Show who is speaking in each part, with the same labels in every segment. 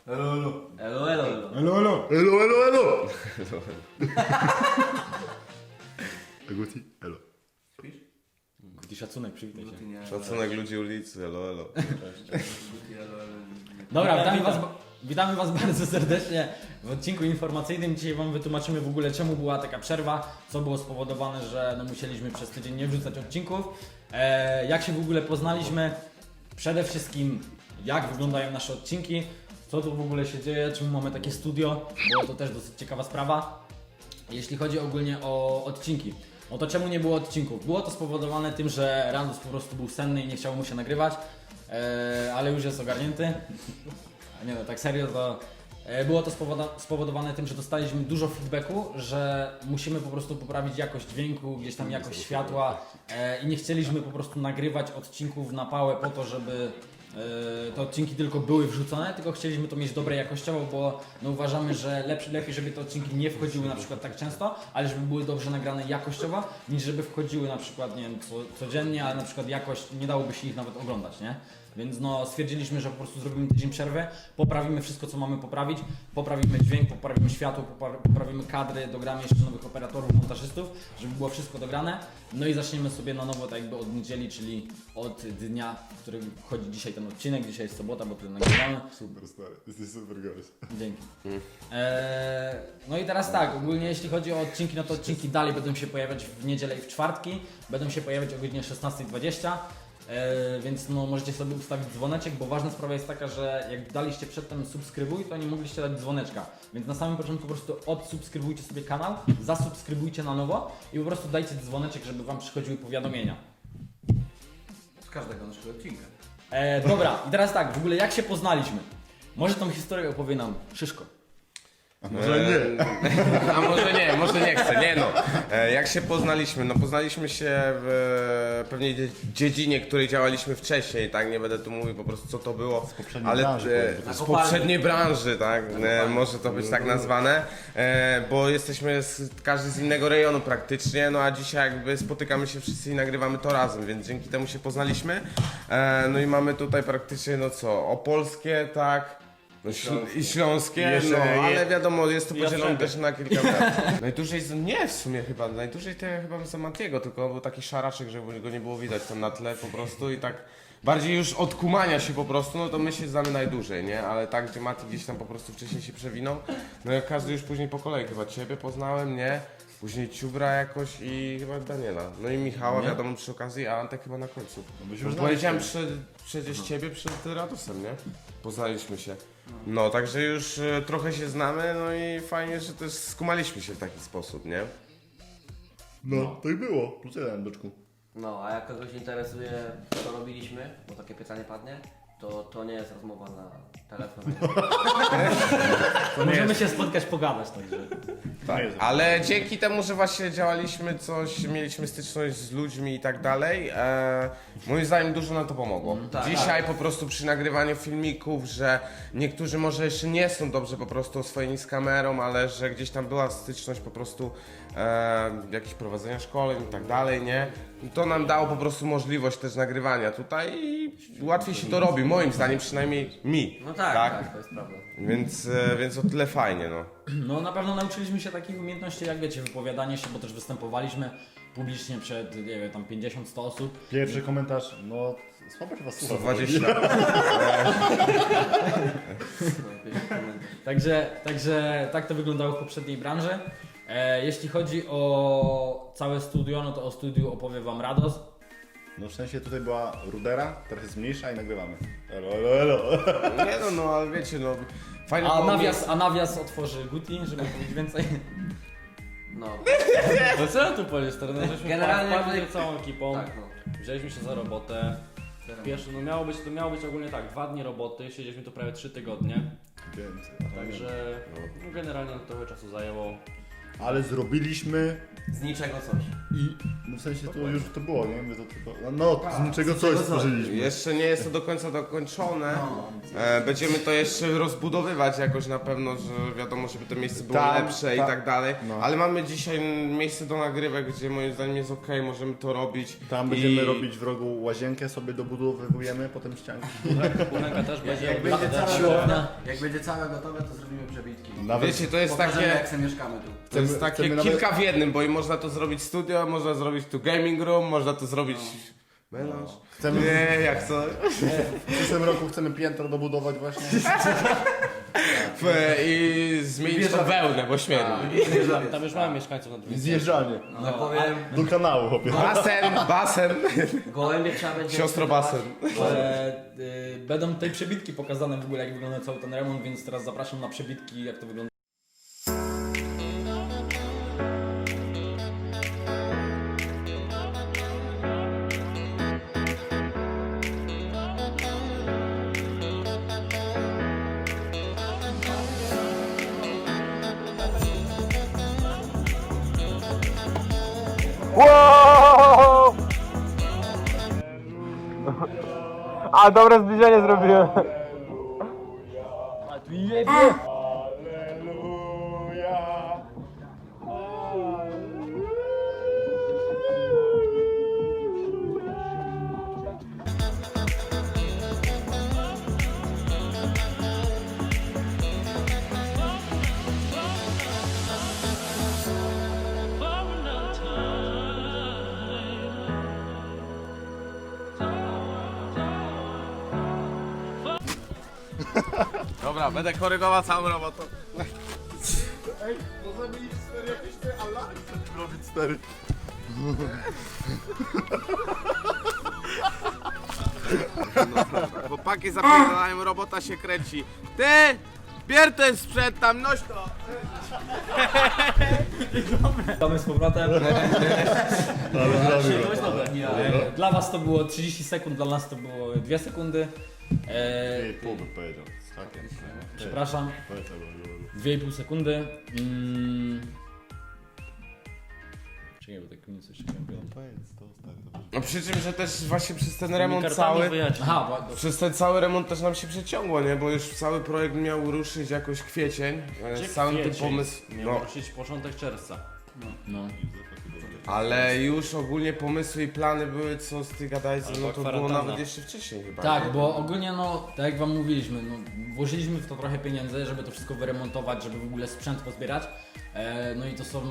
Speaker 1: Elo, elo.
Speaker 2: Elo, elo, elo.
Speaker 3: Elo, elo.
Speaker 1: Elo, elo, elo. Guti, elo.
Speaker 2: Śpisz?
Speaker 3: Guti, szacunek, przywitaj się.
Speaker 2: Guti nie.
Speaker 4: Szacunek ludzi ulicy, elo, elo.
Speaker 2: Guti, elo, elo.
Speaker 3: Dobra, witamy was bardzo serdecznie w odcinku informacyjnym. Dzisiaj wam wytłumaczymy w ogóle, czemu była taka przerwa, co było spowodowane, że musieliśmy przez tydzień nie wrzucać odcinków, jak się w ogóle poznaliśmy, przede wszystkim jak wyglądają nasze odcinki, co tu w ogóle się dzieje, czemu mamy takie studio, bo to też dosyć ciekawa sprawa. Jeśli chodzi ogólnie o odcinki, no to czemu nie było odcinków? Było to spowodowane tym, że Randus po prostu był senny i nie chciało mu się nagrywać, ale już jest ogarnięty. A nie no, tak serio to było to spowodowane tym, że dostaliśmy dużo feedbacku, że musimy po prostu poprawić jakość dźwięku, gdzieś tam jakość światła i nie chcieliśmy po prostu nagrywać odcinków na pałę po to, żeby te odcinki tylko były wrzucone, tylko chcieliśmy to mieć dobre jakościowo, bo no uważamy, że lepiej, żeby te odcinki nie wchodziły na przykład tak często, ale żeby były dobrze nagrane jakościowo, niż żeby wchodziły na przykład, nie wiem, codziennie, ale na przykład jakość nie dałoby się ich nawet oglądać, nie? Więc no stwierdziliśmy, że po prostu zrobimy tydzień przerwy, poprawimy wszystko, co mamy poprawić, poprawimy dźwięk, poprawimy światło, poprawimy kadry, dogramy jeszcze nowych operatorów, montażystów, żeby było wszystko dograne. No i zaczniemy sobie na nowo tak jakby od niedzieli, czyli od dnia, w którym wchodzi dzisiaj ten odcinek. Dzisiaj jest sobota, bo tyle nagrywamy.
Speaker 1: Super stary, jesteś super gość.
Speaker 3: Dzięki. No i teraz tak, ogólnie jeśli chodzi o odcinki, no to odcinki dalej będą się pojawiać w niedzielę i w czwartki. Będą się pojawiać o godzinie 16:20. Więc no możecie sobie ustawić dzwoneczek, bo ważna sprawa jest taka, że jak daliście przedtem subskrybuj, to nie mogliście dać dzwoneczka. Więc na samym początku po prostu odsubskrybujcie sobie kanał, zasubskrybujcie na nowo i po prostu dajcie dzwoneczek, żeby wam przychodziły powiadomienia.
Speaker 2: Z każdego naszego odcinka.
Speaker 3: Dobra, i teraz tak, w ogóle jak się poznaliśmy? Może tą historię opowie nam Szyszko.
Speaker 1: Może nie.
Speaker 4: A może nie chcę, nie no. Jak się poznaliśmy? No poznaliśmy się w pewnej dziedzinie, której działaliśmy wcześniej, tak? Nie będę tu mówił po prostu co to było.
Speaker 1: poprzedniej branży,
Speaker 4: z poprzedniej branży, tak? Może to być tak nazwane. Bo jesteśmy każdy z innego rejonu praktycznie, no a dzisiaj jakby spotykamy się wszyscy i nagrywamy to razem, więc dzięki temu się poznaliśmy. No i mamy tutaj praktycznie no co, opolskie, tak? No, i śląskie, no ale wiadomo, jest to podzielone też na kilka lat. Najdłużej, nie w sumie chyba, najdłużej to ja chyba za Matiego, tylko był taki szaraczek, żeby go nie było widać tam na tle po prostu i tak bardziej już od kumania się po prostu, no to my się znamy najdłużej, nie? Ale tak, gdzie Mati gdzieś tam po prostu wcześniej się przewinął, no jak każdy już później po kolei, chyba Ciebie poznałem, nie? Później Ciubra jakoś i chyba Daniela. No i Michała, wiadomo, przy okazji, a Antek chyba na końcu.
Speaker 1: już
Speaker 4: Powiedziałem przecież Ciebie przed Radosem, nie? Poznaliśmy się. No, także już trochę się znamy, no i fajnie, że też skumaliśmy się w taki sposób, nie?
Speaker 1: No, tak było. Plus jeden, byczku.
Speaker 2: No, a jak kogoś interesuje, co robiliśmy, bo takie pytanie padnie, to nie jest rozmowa na telefon.
Speaker 3: Możemy się spotkać, pogadać także.
Speaker 4: Tak, ale dzięki temu, że właśnie działaliśmy coś, mieliśmy styczność z ludźmi i tak dalej, moim zdaniem dużo nam to pomogło.
Speaker 2: Tak,
Speaker 4: Dzisiaj po prostu przy nagrywaniu filmików, że niektórzy może jeszcze nie są dobrze po prostu oswojeni z kamerą, ale że gdzieś tam była styczność po prostu jakichś prowadzenia szkoleń i tak dalej, nie? To nam dało po prostu możliwość też nagrywania tutaj i łatwiej się to robi, moim zdaniem przynajmniej mi.
Speaker 2: No tak, to jest prawda.
Speaker 4: Więc o tyle fajnie, no.
Speaker 3: No na pewno nauczyliśmy się takich umiejętności, jak wiecie, wypowiadanie się, bo też występowaliśmy publicznie przed, nie wiem, tam 50-100 osób.
Speaker 1: Pierwszy komentarz, no słabo się was słucha.
Speaker 4: 120.
Speaker 3: Także tak to wyglądało w poprzedniej branży. Jeśli chodzi o całe studio, no to o studiu opowie wam Rados.
Speaker 1: No w sensie tutaj była rudera, teraz jest mniejsza i nagrywamy. Elo, elo, elo.
Speaker 4: Nie no, no ale wiecie, no fajnie
Speaker 3: A nawias otworzy Guti, żeby powiedzieć więcej.
Speaker 2: No,
Speaker 5: No co ja tu powiesz, stary? No, żeśmy
Speaker 2: Generalnie
Speaker 5: wpadli
Speaker 2: my-
Speaker 5: całą ekipą,
Speaker 2: tak, no.
Speaker 5: wzięliśmy się za robotę. Pierwszy, no to miało być ogólnie tak, 2 dni roboty, siedzieliśmy tu prawie 3 tygodnie.
Speaker 1: Więcej.
Speaker 5: Także no, generalnie trochę czasu zajęło.
Speaker 1: ale zrobiliśmy
Speaker 2: Z niczego coś.
Speaker 1: i no w sensie to już to było, nie? My to tylko, no z niczego coś stworzyliśmy.
Speaker 4: Jeszcze nie jest to do końca dokończone. Będziemy to jeszcze rozbudowywać jakoś na pewno, że wiadomo, żeby to miejsce było
Speaker 1: Tam,
Speaker 4: lepsze i
Speaker 1: tam.
Speaker 4: tak dalej.
Speaker 1: No.
Speaker 4: Ale mamy dzisiaj miejsce do nagrywek, gdzie moim zdaniem jest ok, możemy to robić.
Speaker 1: Tam będziemy robić w rogu łazienkę, sobie dobudowujemy, potem ścianki.
Speaker 5: Kuchenka też będzie.
Speaker 2: Jak będzie
Speaker 3: siłownia.
Speaker 2: Jak będzie całe gotowe, to zrobimy przebitki.
Speaker 1: Nawet
Speaker 4: Wiecie, to jest
Speaker 2: Pokażemy,
Speaker 4: takie...
Speaker 2: jak sobie mieszkamy tu.
Speaker 4: To jest
Speaker 1: Chcemy-
Speaker 4: takie
Speaker 1: chcemy nawet-
Speaker 4: kilka w jednym, bo i można to zrobić studio, można zrobić tu gaming room, można to zrobić melanż.
Speaker 1: chcemy,
Speaker 4: Nie, jak coś.
Speaker 1: w przyszłym roku chcemy piętro dobudować właśnie.
Speaker 4: I zmienić tą wełnę, bo śmierdzi.
Speaker 5: Tam już mamy mieszkańców na dwóch.
Speaker 1: Zjeżdżanie.
Speaker 2: No powiem,
Speaker 1: Do kanału, chłopie.
Speaker 4: Basen.
Speaker 2: gołębie trzeba będzie...
Speaker 4: Siostro basen.
Speaker 3: Będą tutaj przebitki pokazane w ogóle, jak wygląda cały ten remont, więc teraz zapraszam na przebitki, jak to wygląda.
Speaker 6: A dobre zbliżenie zrobiłem.
Speaker 4: Dobra, będę korygował całą robotę.
Speaker 1: Ej, możemy iść stary jakieś te alarmy robić stary.
Speaker 4: Chłopaki zapierdalają, robota się kręci. Ty! Bier ten sprzęt tam, noś to!
Speaker 3: Witamy z powrotem.
Speaker 1: Ale zrobił.
Speaker 5: To jest dobre.
Speaker 3: Dla was to było 30 sekund, dla nas to było 2 sekundy.
Speaker 1: Ej, pół bym powiedział. Z hakiem.
Speaker 3: Przepraszam,
Speaker 1: Powiedz, albo-
Speaker 3: 2,5 sekundy. Czekaj, bo tak nie coś chciałem powiedzieć.
Speaker 1: Powiedz to stary. to
Speaker 4: No przy czym, że też właśnie przez ten
Speaker 5: Tymi
Speaker 4: remont
Speaker 5: kartami
Speaker 4: cały...
Speaker 5: wyjaśnij.
Speaker 3: Aha,
Speaker 4: Przez ten cały remont też nam się przeciągło, nie? Bo już cały projekt miał ruszyć jakoś kwiecień. Z całym tym pomysłem.
Speaker 5: Miał
Speaker 4: No,
Speaker 5: ruszyć początek czerwca.
Speaker 3: no.
Speaker 4: ale już ogólnie pomysły i plany były, co z tych gadajcy,
Speaker 5: Albo
Speaker 4: no to było
Speaker 5: kwarantanna.
Speaker 4: nawet jeszcze wcześniej chyba.
Speaker 3: Tak,
Speaker 4: nie?
Speaker 3: bo ogólnie no, tak jak wam mówiliśmy, no, włożyliśmy w to trochę pieniędzy, żeby to wszystko wyremontować, żeby w ogóle sprzęt pozbierać. No i to są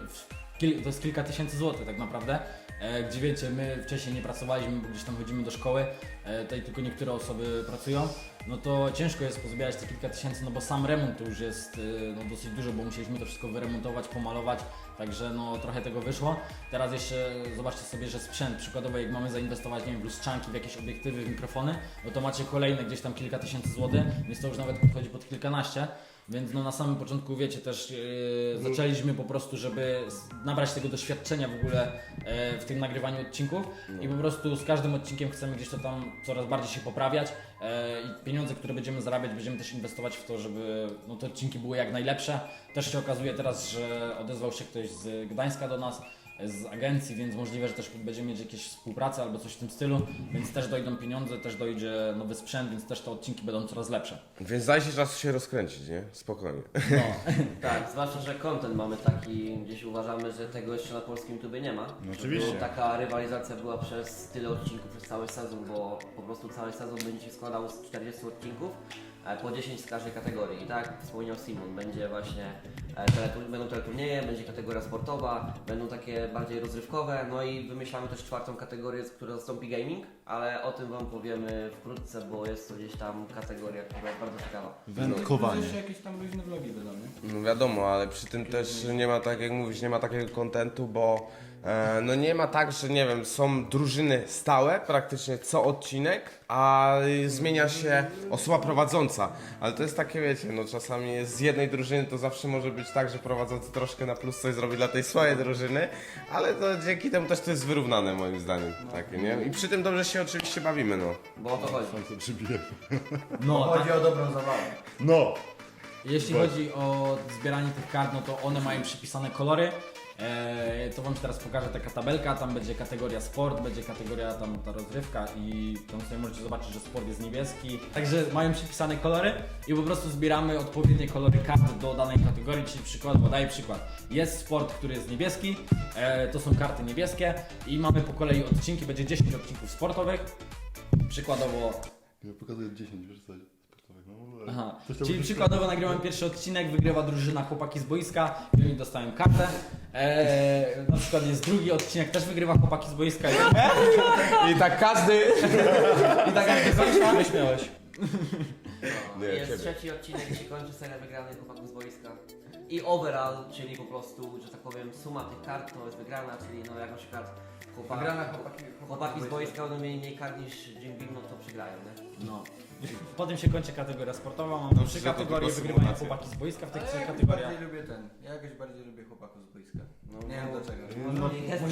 Speaker 3: to jest kilka tysięcy złotych tak naprawdę. Gdzie wiecie, my wcześniej nie pracowaliśmy, bo gdzieś tam chodzimy do szkoły, tutaj tylko niektóre osoby pracują, no to ciężko jest pozbierać te kilka tysięcy, no bo sam remont to już jest no, dosyć dużo, bo musieliśmy to wszystko wyremontować, pomalować, także no trochę tego wyszło. Teraz jeszcze zobaczcie sobie, że sprzęt, przykładowo jak mamy zainwestować, nie wiem, w lustrzanki, w jakieś obiektywy, w mikrofony, no to macie kolejne gdzieś tam kilka tysięcy złotych, więc to już nawet podchodzi pod kilkanaście. Więc no na samym początku wiecie też zaczęliśmy po prostu, żeby nabrać tego doświadczenia w ogóle w tym nagrywaniu odcinków i po prostu z każdym odcinkiem chcemy gdzieś to tam coraz bardziej się poprawiać i pieniądze, które będziemy zarabiać, będziemy też inwestować w to, żeby no, te odcinki były jak najlepsze. Też się okazuje teraz, że odezwał się ktoś z Gdańska do nas, z agencji, więc możliwe, że też będziemy mieć jakieś współpracę albo coś w tym stylu, więc też dojdą pieniądze, też dojdzie nowy sprzęt, więc też te odcinki będą coraz lepsze.
Speaker 4: Więc dajcie czas się rozkręcić, nie? Spokojnie.
Speaker 3: No.
Speaker 2: Tak, zwłaszcza, że content mamy taki, gdzieś uważamy, że tego jeszcze na polskim YouTubie nie ma.
Speaker 1: No oczywiście.
Speaker 2: Bo taka rywalizacja była przez tyle odcinków, przez cały sezon, bo po prostu cały sezon będzie się składał z 40 odcinków, po 10 z każdej kategorii. I tak jak wspomniał Simon, będzie właśnie będą teleturnieje, będzie kategoria sportowa, będą takie bardziej rozrywkowe, no i wymyślamy też czwartą kategorię, która zastąpi gaming, ale o tym Wam powiemy wkrótce, bo jest to gdzieś tam kategoria, która jest bardzo ciekawa.
Speaker 1: Wędkowanie.
Speaker 3: Jeszcze jakieś tam luźne vlogi wydam, nie?
Speaker 4: No wiadomo, ale przy tym też nie ma, tak jak mówisz, nie ma takiego kontentu, bo no nie ma tak, że nie wiem, są drużyny stałe praktycznie co odcinek, a zmienia się osoba prowadząca. Ale to jest takie, wiecie, no czasami jest z jednej drużyny to zawsze może być tak, że prowadzący troszkę na plus coś zrobi dla tej swojej drużyny, ale to dzięki temu też to jest wyrównane moim zdaniem, takie, nie? I przy tym dobrze się oczywiście bawimy, no.
Speaker 2: Bo o to chodzi.
Speaker 1: Co przybije.
Speaker 3: No,
Speaker 2: Chodzi o dobrą zabawę.
Speaker 1: No!
Speaker 3: Jeśli chodzi o zbieranie tych kart, no to one mają przypisane kolory. To wam teraz pokażę taka tabelka, tam będzie kategoria sport, będzie kategoria tam ta rozrywka i tam sobie możecie zobaczyć, że sport jest niebieski. Także mają przypisane kolory i po prostu zbieramy odpowiednie kolory kart do danej kategorii, czyli przykładowo, daję przykład. Jest sport, który jest niebieski, to są karty niebieskie i mamy po kolei odcinki, będzie 10 odcinków sportowych. Przykładowo
Speaker 1: Ja pokazuję 10, wiesz co? Sportowych, no.
Speaker 3: Aha,
Speaker 1: Coś tam
Speaker 3: czyli
Speaker 1: będzie-
Speaker 3: przykładowo nagrywam pierwszy odcinek, wygrywa drużyna chłopaki z boiska i oni dostają kartę. Na przykład jest drugi odcinek, też wygrywa chłopaki z boiska
Speaker 4: I tak każdy...
Speaker 3: i tak jak kończę.
Speaker 5: Wyśmiałeś.
Speaker 4: Nie,
Speaker 2: Jest
Speaker 4: ciebie.
Speaker 2: trzeci odcinek, się kończy seria wygranych chłopaków z boiska. I overall, czyli po prostu, że tak powiem, suma tych kart to jest wygrana, czyli no jak na przykład chłopaki z boiska będą mieli mniej kart niż Jim Beam, no to przegrają, nie?
Speaker 3: No. Potem się kończy kategoria sportowa, mam
Speaker 4: Dobrze,
Speaker 3: trzy
Speaker 4: że to
Speaker 3: kategorie,
Speaker 4: tylko
Speaker 3: wygrywają
Speaker 4: symulacja.
Speaker 3: chłopaki z boiska w tych
Speaker 7: Ale
Speaker 3: trzech
Speaker 7: ja jakoś
Speaker 3: kategoriach.
Speaker 7: bardziej lubię ten. Ja jakoś bardziej lubię chłopaków z boiska. Nie wiem dlaczego.
Speaker 2: No, jest,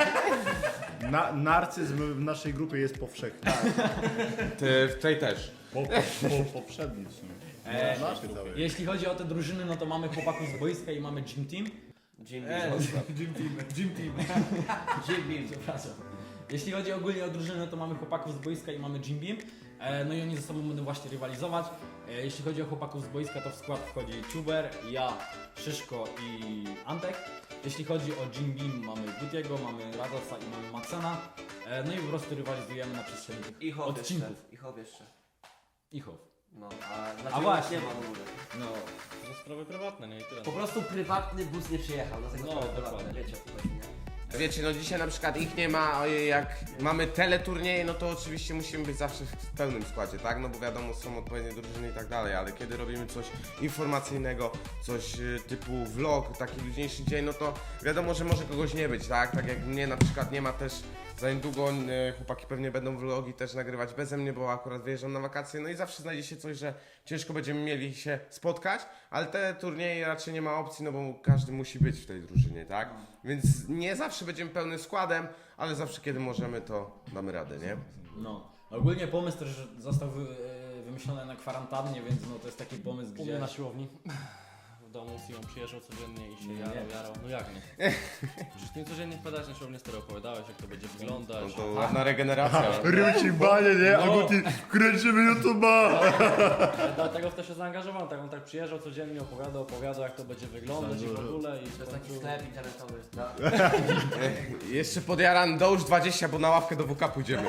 Speaker 1: Narcyzm w naszej grupie jest powszechny.
Speaker 4: Ty w tej też.
Speaker 1: Poprzedni w sumie.
Speaker 3: E,
Speaker 1: Naszej całej.
Speaker 3: Jeśli chodzi o te drużyny, no to mamy chłopaków z boiska i mamy Gym Team.
Speaker 2: Jim Beam.
Speaker 3: Gym Team.
Speaker 2: Jim Beam.
Speaker 3: Przepraszam. Jeśli chodzi ogólnie o drużynę, to mamy chłopaków z boiska i mamy Jim Beam. No i oni ze sobą będą właśnie rywalizować. Jeśli chodzi o chłopaków z boiska, to w skład wchodzi Tuber, ja, Szyszko i Antek. Jeśli chodzi o Jim Beam, mamy Gutiego, mamy Radosa i mamy Macena. No i po prostu rywalizujemy na przestrzeni tych
Speaker 2: I Hop jeszcze.
Speaker 3: odcinków.
Speaker 2: I Hop jeszcze.
Speaker 3: Ichow.
Speaker 2: No, a dlaczego
Speaker 3: właśnie.
Speaker 2: nie ma w ogóle?
Speaker 3: No,
Speaker 5: To sprawy prywatne, nie? I tyle.
Speaker 2: Po prostu prywatny bus nie przyjechał, dlatego
Speaker 5: No,
Speaker 2: sprawy
Speaker 5: dokładnie.
Speaker 2: prywatne, wiecie o co chodzi, nie?
Speaker 4: Wiecie, no dzisiaj na przykład ich nie ma, jak mamy teleturnieje, no to oczywiście musimy być zawsze w pełnym składzie, tak? No bo wiadomo, są odpowiednie drużyny i tak dalej, ale kiedy robimy coś informacyjnego, coś typu vlog, taki luźniejszy dzień, no to wiadomo, że może kogoś nie być, tak? Tak jak mnie na przykład nie ma też za niedługo, chłopaki pewnie będą vlogi też nagrywać beze mnie, bo akurat wyjeżdżam na wakacje, no i zawsze znajdzie się coś, że ciężko będziemy mieli się spotkać, ale te turnieje raczej nie ma opcji, no bo każdy musi być w tej drużynie, tak? Więc nie zawsze będziemy pełnym składem, ale zawsze kiedy możemy, to damy radę, nie?
Speaker 3: no. Ogólnie pomysł też został wymyślony na kwarantannie, więc no to jest taki pomysł,
Speaker 5: U mnie
Speaker 3: gdzie...
Speaker 5: na siłowni. W domu z Simą przyjeżdżał codziennie i się
Speaker 3: Nie.
Speaker 5: jarał. No jak nie? Przecież ty codziennie wpadałeś na siłownię, stary opowiadałeś, jak to będzie
Speaker 4: No
Speaker 5: wyglądać.
Speaker 4: to ładna regeneracja.
Speaker 1: Ryci banie, nie? A Guti, kręcimy YouTube'a!
Speaker 5: Dlatego w to się zaangażowałem, tak on tak przyjeżdżał codziennie, opowiadał jak to będzie wyglądać i w ogóle i
Speaker 2: To jest
Speaker 5: w
Speaker 2: taki
Speaker 5: końcu...
Speaker 2: sklep internetowy, tak?
Speaker 4: Jeszcze podjaran dołóż 20, bo na ławkę do WK pójdziemy.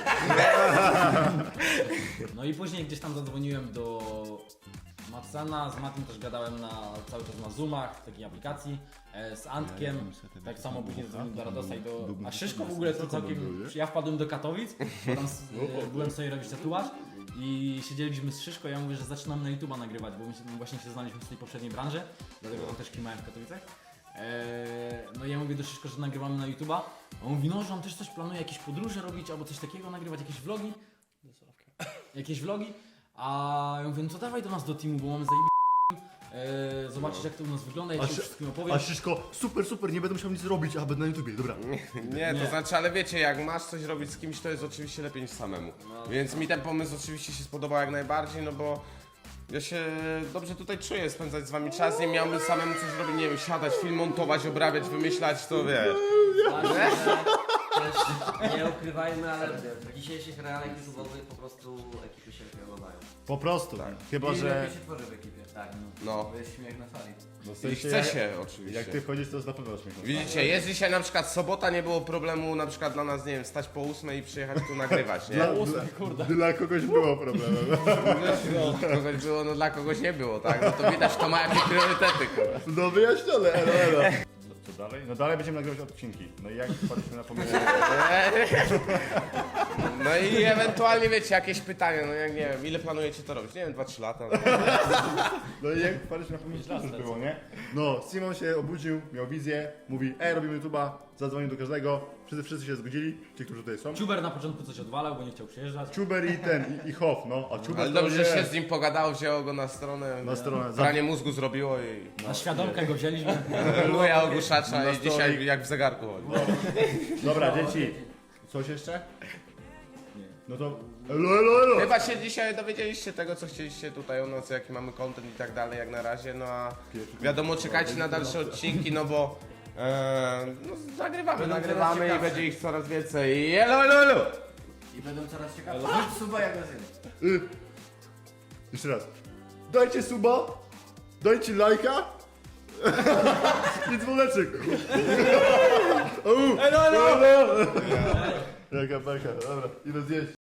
Speaker 3: No i później gdzieś tam zadzwoniłem do Macena, z Matim też gadałem cały czas na Zoomach, w takiej aplikacji, z Antkiem, tak samo później zadzwoniłem do Radosa i do... A Szyszko w ogóle to całkiem... Ja wpadłem do Katowic, bo tam byłem sobie robić tatuaż i siedzieliśmy z Szyszko, ja mówię, że zaczynam na YouTube'a nagrywać, bo my właśnie się znaliśmy z tej poprzedniej branży, dlatego tam też kimałem w Katowicach. No i ja mówię do Szyszko, że nagrywamy na YouTube'a, a on mówi, no, że on też coś planuje, jakieś podróże robić albo coś takiego, nagrywać jakieś vlogi. Jakieś vlogi, a ja mówię, no to dawaj do nas do teamu, bo mamy zobaczyć jak to u nas wygląda, ja
Speaker 1: A
Speaker 3: ci
Speaker 1: się-
Speaker 3: wszystkim opowiem.
Speaker 1: A Szyszko, super, nie będę musiał nic robić, a będę na YouTubie, dobra.
Speaker 4: Nie,
Speaker 3: Nie.
Speaker 4: to znaczy, ale wiecie, jak masz coś robić z kimś, to jest oczywiście lepiej niż samemu. Więc mi ten pomysł oczywiście się spodobał jak najbardziej, no bo ja się dobrze tutaj czuję spędzać z wami czas, nie miałbym samemu coś robić, nie wiem, siadać, film montować, obrabiać, wymyślać, to wiesz.
Speaker 2: Właśnie, że też nie ukrywajmy, ale w dzisiejszych realiach YouTube'owych po prostu ekipy się wyglądają.
Speaker 1: Po prostu, chyba
Speaker 7: I
Speaker 1: że...
Speaker 7: lepiej się tworzy w ekipie.
Speaker 2: Tak.
Speaker 4: No.
Speaker 7: Bo jest śmiech na sali.
Speaker 1: No, w
Speaker 4: I
Speaker 1: sensie,
Speaker 4: chce
Speaker 1: jak-
Speaker 4: się
Speaker 1: Jak
Speaker 4: oczywiście.
Speaker 1: ty wchodzisz, to jest na pewno śmiech.
Speaker 4: Widzicie, jest dzisiaj na przykład sobota, nie było problemu na przykład dla nas, nie wiem, wstać po 8 i przyjechać tu nagrywać, nie?
Speaker 1: Dla kogoś było problemem.
Speaker 4: Dla kogoś było, no dla kogoś nie było, tak? No to widać, to ma jakieś priorytety, kurwa.
Speaker 1: No wyjaśnione, elo. Co dalej? No dalej będziemy nagrywać odcinki. No i jak wpadliśmy na pomysł...
Speaker 4: No i ewentualnie wiecie, jakieś pytania, no jak nie wiem, ile planujecie to robić? Nie wiem, 2-3 lata.
Speaker 1: No i jak wpadliśmy na pomysł, to już było, nie? No, Simon się obudził, miał wizję, mówi, robimy YouTube'a, zadzwonił do każdego, wszyscy się zgodzili, ci, którzy tutaj są.
Speaker 3: Ciuber na początku coś odwalał, bo nie chciał przyjeżdżać.
Speaker 1: Ciuber i ten, i Hoff, no. A Ciuber
Speaker 4: Ale
Speaker 1: to
Speaker 4: dobrze,
Speaker 1: nie.
Speaker 4: że się z nim pogadało, wzięło go na stronę.
Speaker 1: Na stronę.
Speaker 4: Pranie mózgu zrobiło i...
Speaker 3: Na świadomkę go wzięliśmy.
Speaker 4: Luja ogłuszacza
Speaker 1: Na
Speaker 4: i dzisiaj jak w zegarku chodzi.
Speaker 1: Dobra, dzieci. Coś jeszcze? No to elo, elo, elo.
Speaker 4: Chyba się dzisiaj dowiedzieliście tego, co chcieliście tutaj o nas, jaki mamy content i tak dalej, jak na razie, no a wiadomo, czekajcie na dalsze odcinki, no bo no, nagrywamy i będzie ich coraz więcej. Elo, elo, elo!
Speaker 7: I będą coraz ciekawsze. Suba jak na
Speaker 1: Jeszcze raz. Dajcie suba, dajcie lajka i dzwoneczek. Elo, elo! Jaka beka, dobra, idę zjeść.